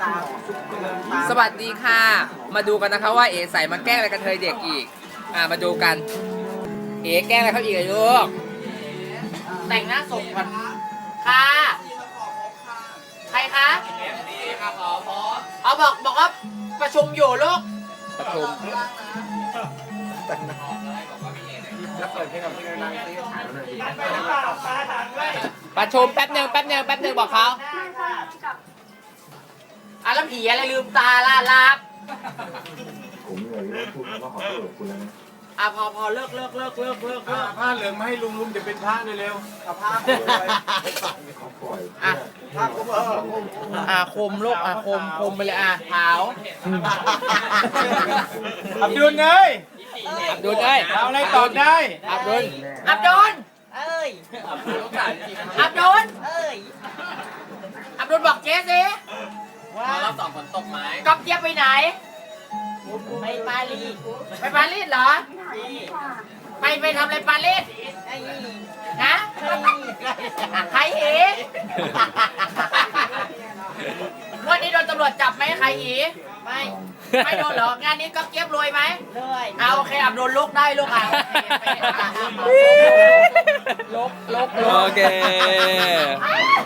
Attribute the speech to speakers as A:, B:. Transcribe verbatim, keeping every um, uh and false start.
A: สวัสดีค่ะ มาดูกันนะคะว่าเอ๋ใส่มาแกล้งอะไรกันเธอเด็กอีก อ่ามาดูกัน เอ๋แกล้งอะไรเขาอีกอะลูกแต่งหน้าศพก่อนค่ะ ใครคะเอาบอกบอกว่าประชุมอยู่ลูก ประชุมประชุมแป๊บหนึ่งแป๊บหนึ่งแป๊บหนึ่งบอกเขาอ่ะแล้วผีอะไรลืมตาล่ะลับ
B: ผมเลยเริ่มพูดคำว่าขอโทษกับคุณแล้วนะ
A: อ่ะพอพอเลิกเลิกเลิกเลิกเลิกเลิก
C: ผ้าเหลืองมาให้ลุงลุงจะเป็นพระเร็วๆเอาผ้า
B: ขอปล่อย
A: อ่ะ
C: ผ้าคลุมเออ
A: อ่ะคมลูกอ่ะคมคมไปเลยอ่ะขาว
C: อับดุลเนย
A: อับดุลเอ้ย
C: เอาอะไรตอบได้
A: อับดุลอับดุลเอ้ยอับดุลเอ้ยอับดุลบอกเจ๊สิว่าเราสองคนตกไม้ก๊อฟเจี๊ยบไปไหนไปปารีสไปปารีสเหรอไปไปทำอะไรปารีสฮะใครอีวันนี้โดนตำรวจจับไหมใครอีไม่ไม่โดนเหรองานนี้ก๊อฟเจี๊ยบรวยไหมรวยเอาโอเคอับดุลลุกได้ลูกอ่ะลุกลุกลุกโอเค